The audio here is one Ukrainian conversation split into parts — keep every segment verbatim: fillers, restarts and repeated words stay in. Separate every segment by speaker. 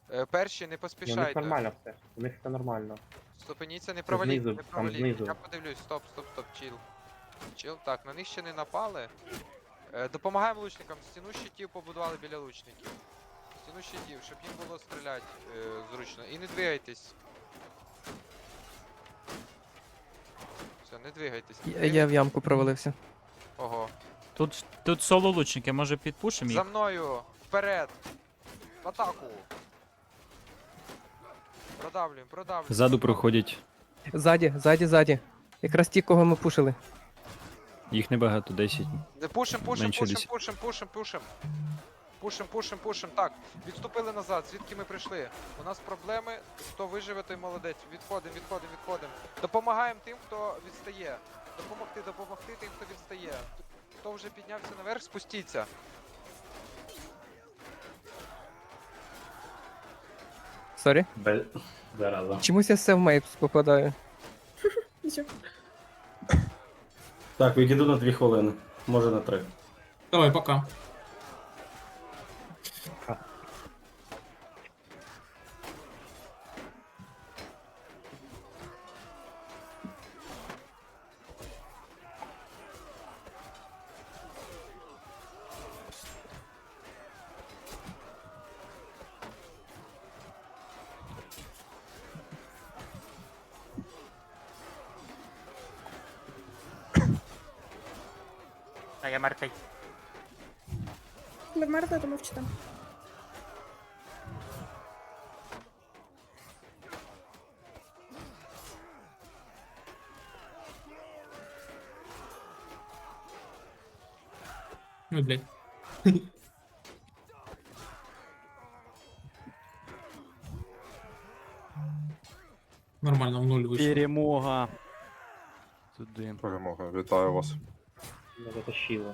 Speaker 1: Е, перші, не
Speaker 2: Ну, у них
Speaker 1: поспішайте.
Speaker 2: нормально все. У них все нормально.
Speaker 1: Ступеніться, не
Speaker 2: Це
Speaker 1: проваліть,
Speaker 2: знизу,
Speaker 1: не
Speaker 2: там
Speaker 1: проваліть.
Speaker 2: знизу.
Speaker 1: Я подивлюсь, стоп, стоп, стоп, чіл. Чіл, так, на них ще не напали. Е, допомагаємо лучникам, стіну щитів побудували біля лучників. Стіну щитів, щоб їм було стріляти е, зручно. І не двигайтесь. Все, не двигайтесь. Не
Speaker 3: Я,
Speaker 1: двигайтесь.
Speaker 3: я в ямку провалився.
Speaker 1: Ого.
Speaker 4: Тут, тут соло лучники, може підпушимо
Speaker 1: За
Speaker 4: їх?
Speaker 1: мною! Вперед! В атаку! Продавлюємо, продавлюємо.
Speaker 5: Ззаду проходять.
Speaker 3: Ззаді, ззаді, ззаді. Якраз ті, кого ми пушили.
Speaker 5: Їх небагато, десять.
Speaker 1: Не пушим, пушим,
Speaker 5: Менше
Speaker 1: пушим,
Speaker 5: десять.
Speaker 1: пушим, пушим, пушим. Пушим, пушим, пушим. Так, відступили назад, звідки ми прийшли. У нас проблеми, хто виживе, той молодець. Відходимо, відходимо, відходимо. Допомагаємо тим, хто відстає. Допомогти, допомогти тим, хто відстає. Хто вже піднявся наверх, спустіться.
Speaker 3: Сорі.
Speaker 6: Без... Зараза.
Speaker 3: Чомусь я все в мейпс попадаю.
Speaker 7: Нічого.
Speaker 6: Так, відійду на дві хвилини. Може на три.
Speaker 8: Давай, пока.
Speaker 9: А я мертвий.
Speaker 7: Ви вмерли, то мовчите.
Speaker 8: Ну, блядь. Нормально, в нуль вийшло.
Speaker 5: Перемога. Туди.
Speaker 10: Перемога, вітаю вас.
Speaker 2: Не затащило.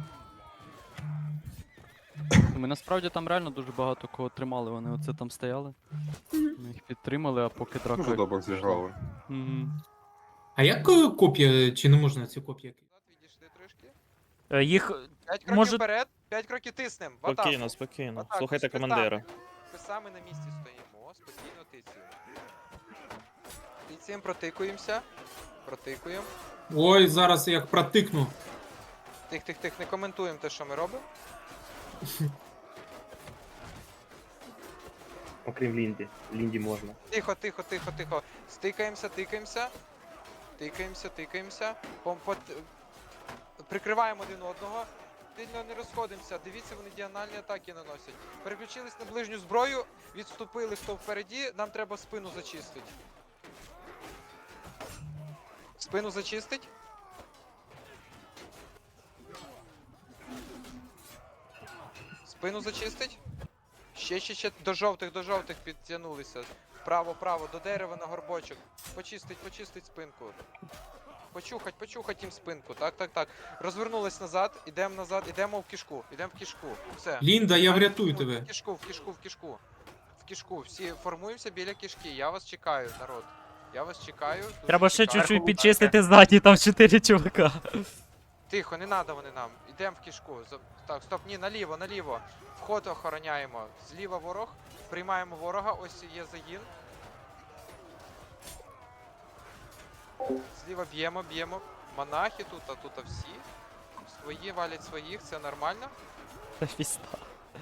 Speaker 5: Ми насправді там реально дуже багато кого тримали. Вони оце там стояли.
Speaker 7: Мгм.
Speaker 5: Ми їх підтримали, а поки драка.
Speaker 10: Дуже добре зіграли.
Speaker 5: Мгм.
Speaker 8: А як е, копія, чи не можна ці копії?
Speaker 1: Назад відійшли трішки.
Speaker 4: Е, Їх.
Speaker 1: П'ять кроків
Speaker 4: Може-
Speaker 1: вперед, п'ять кроків тиснем. В атаку.
Speaker 9: Спокійно,
Speaker 1: В
Speaker 9: спокійно.
Speaker 1: атаку,
Speaker 9: Слухайте
Speaker 1: з писами.
Speaker 9: командира.
Speaker 1: Писами на місці стоїмо, спокійно тицюємо. Тицюємо, протикуємося. Протикуємо.
Speaker 8: Ой, зараз як протикну.
Speaker 1: Тих, тих, тих, не коментуємо те, що ми робимо.
Speaker 2: Окрім Лінді. Лінді можна.
Speaker 1: Тихо, тихо, тихо, тихо. Стикаємося, тикаємося. Тикаємося, тикаємося. Пом- пот- Прикриваємо один одного. Сильно не розходимося. Дивіться, вони діагональні атаки наносять. Переключились на ближню зброю, відступили хто впереді, нам треба спину зачистити. Спину зачистить. Спину зачистить. Ще, ще, ще до жовтих, до жовтих підтягнулися. Право, право, до дерева на горбочок. Почистить, почистить спинку. Почухать, почухать їм спинку. Так, так, так. Розвернулись назад, ідемо назад, ідемо в кішку. Ідемо в кішку. Все.
Speaker 8: Лінда, я врятую
Speaker 1: В
Speaker 8: тебе.
Speaker 1: кішку, в кішку, в кішку. В кішку. Всі формуємося біля кішки. Я вас чекаю, народ. Я вас чекаю. дуже
Speaker 4: Треба ще
Speaker 1: чекаю.
Speaker 4: чуть-чуть підчистити ззаді, там чотири чувака.
Speaker 1: Тихо, не надо вони нам. Ідемо в кішку. За- Так, стоп, ні, наліво, наліво. Вход охороняємо. Зліва ворог. Приймаємо ворога. Ось є загін. Зліва б'ємо, б'ємо. Монахи тут, а тут а всі. Свої валять своїх, це нормально.
Speaker 4: Та фіста.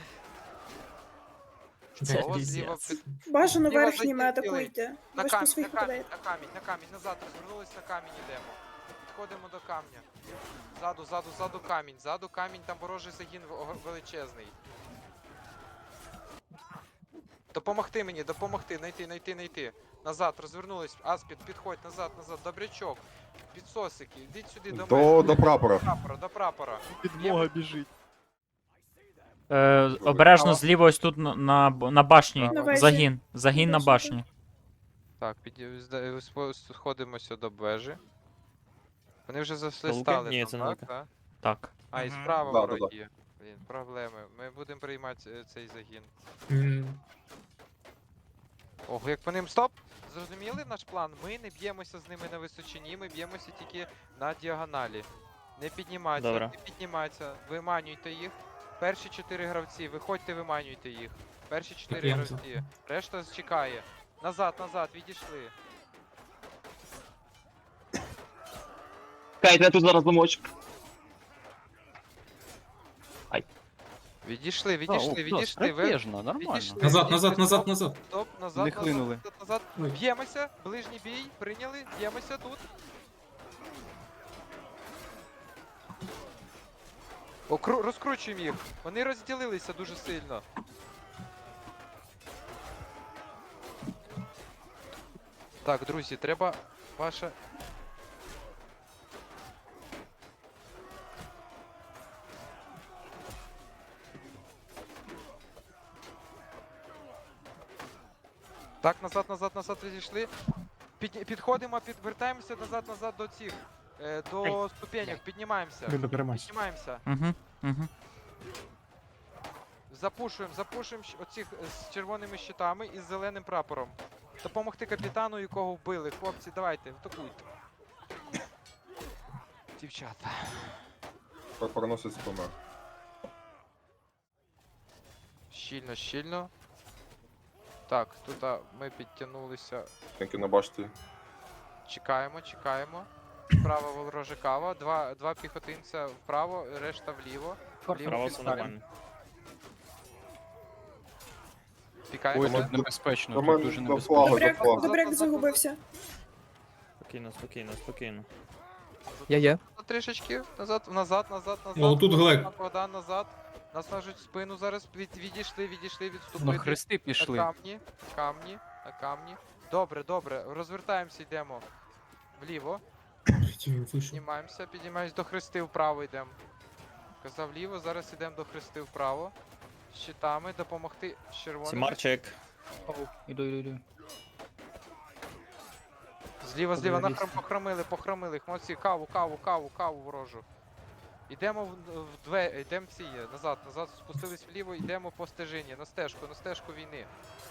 Speaker 8: Це
Speaker 1: О, зліва
Speaker 4: піздець.
Speaker 1: під...
Speaker 7: Бажано
Speaker 1: Зліва
Speaker 7: верхніми
Speaker 1: закінчили.
Speaker 7: атакуйте.
Speaker 1: На
Speaker 7: Ви ж по
Speaker 1: камінь, на
Speaker 7: своїх
Speaker 1: камінь,
Speaker 7: подаєте.
Speaker 1: на камінь, на камінь, назад розвернулись, на камінь йдемо. Підходимо до камня. Ззаду, ззаду, ззаду камінь, ззаду камінь, там ворожий загін в- величезний. Допомогти мені, допомогти, найти, найти, найти. Назад, розвернулись, Аспід, підходь, назад, назад, добрячок. Підсосики, йдіть сюди до
Speaker 10: До,
Speaker 1: мене.
Speaker 10: до прапора.
Speaker 1: До прапора, до прапора.
Speaker 5: Підмога біжить.
Speaker 4: Е, обережно зліва ось тут на, на, б- на башні.
Speaker 7: На вежі.
Speaker 4: Загін. Загін на
Speaker 7: Бачу,
Speaker 4: башні.
Speaker 1: Так, під... зда- спо- сходимося до вежі. Вони вже
Speaker 9: Лука?
Speaker 1: заслистали
Speaker 9: Ні,
Speaker 1: там,
Speaker 9: це не
Speaker 1: так?
Speaker 9: Лука.
Speaker 1: так?
Speaker 4: Так.
Speaker 1: А, і
Speaker 9: Мгм.
Speaker 1: справа
Speaker 10: Да, да,
Speaker 1: вороги. Блін, проблеми. Ми будемо приймати е, цей загін.
Speaker 8: М,
Speaker 1: Ого, як по ним стоп! Зрозуміли наш план? Ми не б'ємося з ними на височині, ми б'ємося тільки на діагоналі. Не піднімайтеся,
Speaker 9: Добре.
Speaker 1: не піднімайтеся, виманюйте їх. Перші чотири гравці, виходьте, виманюйте їх. Перші чотири
Speaker 8: я взяв.
Speaker 1: розді. Решта чекає. Назад, назад, відійшли.
Speaker 9: Кайте, я тут зараз замочу.
Speaker 1: Відійшли,
Speaker 5: А,
Speaker 1: відійшли,
Speaker 5: о,
Speaker 1: відійшли.
Speaker 5: да,
Speaker 1: Ви...
Speaker 5: стратежно, нормально.
Speaker 1: відійшли.
Speaker 8: Назад, назад, назад, назад.
Speaker 1: Стоп, назад,
Speaker 5: Не
Speaker 1: назад,
Speaker 5: хлинули.
Speaker 1: назад, назад.
Speaker 8: Ой.
Speaker 1: Б'ємося, ближній бій, прийняли, б'ємося тут. Окру... Розкручуємо їх. Вони розділилися дуже сильно. Так, друзі, треба ваша. Так, назад, назад, назад відійшли. Під... Підходимо, підвертаємося назад, назад до цих. Е, до ступенек, піднімаємося. Піднімаємося.
Speaker 4: Угу, угу.
Speaker 1: Запушуємо, запушуємо щ- оцих е, з червоними щитами і з зеленим прапором. Допомогти капітану, якого вбили. Хлопці, давайте, атакуйте. Дівчата.
Speaker 10: Проносить помер.
Speaker 1: Щільно, щільно. Так, тут а, ми підтягнулися.
Speaker 10: Тільки на башті.
Speaker 1: Чекаємо, чекаємо. Справа ворожа кава. Два, два піхотинця вправо, решта вліво. Вліво підставимо.
Speaker 5: Ой,
Speaker 1: Пікаємося.
Speaker 5: тут небезпечно,
Speaker 10: До
Speaker 5: тут
Speaker 10: мене
Speaker 5: дуже
Speaker 10: до
Speaker 5: небезпечно.
Speaker 10: флагу, до
Speaker 7: Добряк,
Speaker 10: флагу.
Speaker 7: добряк загубився.
Speaker 9: Спокійно, спокійно, спокійно.
Speaker 3: Я є.
Speaker 1: Трішечки назад, назад, назад, назад.
Speaker 8: О, тут Глек.
Speaker 1: Богдан, назад. Нас нажуть в спину зараз. Від, відійшли, відійшли,
Speaker 5: На
Speaker 1: відступити.
Speaker 5: хрести
Speaker 1: На
Speaker 5: пішли.
Speaker 1: камні, камні, на камні. Добре, добре. Розвертаємося, йдемо. Вліво.
Speaker 8: Блядь, він вийшов.
Speaker 1: Піднімаємося, піднімаємось до хрести вправо йдемо. Казав вліво, зараз йдемо до хрести вправо. З щитами, допомогти з червоними.
Speaker 9: Сімарчик.
Speaker 5: Іду, іду, іду.
Speaker 1: Зліва, зліва,
Speaker 2: Подивись.
Speaker 1: нахрам похромили, похромили їх. Молодці, каву, каву, каву, каву ворожу. Йдемо в, в две, йдемо ці, назад, назад, спустились вліво, йдемо по стежині, на стежку, на стежку війни.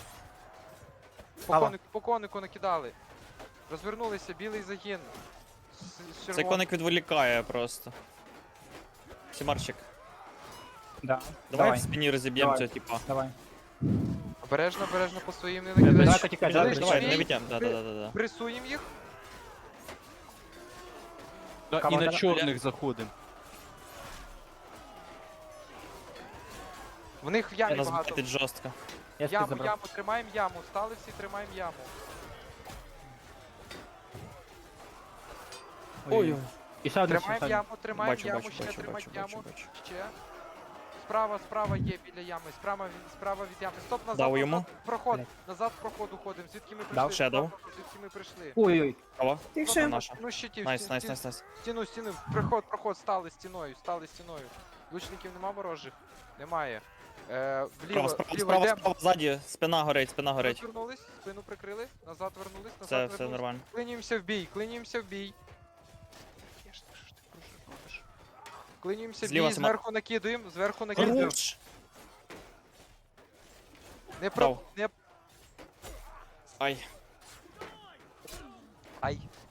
Speaker 1: По
Speaker 3: Кава.
Speaker 1: конику, по конику накидали. Розвернулися, білий загін. З, з
Speaker 9: Цей
Speaker 1: червоним.
Speaker 9: коник відволікає просто. Сімарчик.
Speaker 3: Да.
Speaker 9: Давай, в спині розіб'ємо
Speaker 3: Давай.
Speaker 9: цього типа.
Speaker 3: Давай.
Speaker 1: Обережно, обережно по своїм не
Speaker 3: Давай,
Speaker 1: накидай.
Speaker 3: потікай,
Speaker 9: Давай,
Speaker 1: Ближче
Speaker 9: давай, не
Speaker 1: бій,
Speaker 9: відтям. Да,
Speaker 1: при-
Speaker 9: да, да, да.
Speaker 1: Пресуємо їх.
Speaker 5: Да, і
Speaker 3: Кава,
Speaker 5: на
Speaker 3: да,
Speaker 5: чорних заходимо.
Speaker 1: В них в
Speaker 9: Я
Speaker 1: ямі
Speaker 9: нас
Speaker 1: багато.
Speaker 9: байтить жорстко.
Speaker 3: Я спід
Speaker 1: Яму,
Speaker 3: забрав.
Speaker 1: яму, тримаємо яму. Стали всі, тримаємо яму.
Speaker 3: Ой. І ще один
Speaker 1: Тримаємо
Speaker 3: ще
Speaker 1: яму, тримаємо
Speaker 9: Бачу,
Speaker 1: яму,
Speaker 9: бачу,
Speaker 1: ще
Speaker 9: бачу,
Speaker 1: тримаємо
Speaker 9: бачу, бачу,
Speaker 1: яму.
Speaker 9: бачу.
Speaker 1: Ще. Справа, справа є біля ями. Справа, від- справа від ями. Стоп, назад,
Speaker 9: Дав
Speaker 1: назад.
Speaker 9: йому.
Speaker 1: Проход.
Speaker 3: Блядь.
Speaker 1: Назад в проход уходимо. Звідки ми прийшли?
Speaker 9: Дав, ще дав.
Speaker 1: Звідки ми прийшли?
Speaker 3: Ой-ой.
Speaker 9: Кого?
Speaker 7: Тихше.
Speaker 9: Наша.
Speaker 1: Ну, щитів.
Speaker 9: Найс,
Speaker 1: стін-
Speaker 9: найс,
Speaker 1: стін-
Speaker 9: найс, найс.
Speaker 1: Стіну, стіну. Проход, проход. Стали стіною, стали стіною. Лучників нема ворожих? Немає. Е, вліво,
Speaker 9: Справа, справа,
Speaker 1: вліво
Speaker 9: справа,
Speaker 1: йдемо.
Speaker 9: справа, ззаді. Спина горить, спина горить.
Speaker 1: Розвернулись, спину прикрили, назад вернулись, назад
Speaker 9: Все,
Speaker 1: вернулись.
Speaker 9: все нормально.
Speaker 1: Клинімося в бій, клинімося в бій. Я ж не що ж ти кружиш? Клинімося в
Speaker 9: Зліва
Speaker 1: бій,
Speaker 9: сама-
Speaker 1: зверху накидуємо, зверху накидуємо.
Speaker 9: Хорош!
Speaker 1: Не про...
Speaker 9: Дав.
Speaker 1: Не...
Speaker 9: Ай.
Speaker 1: Ай.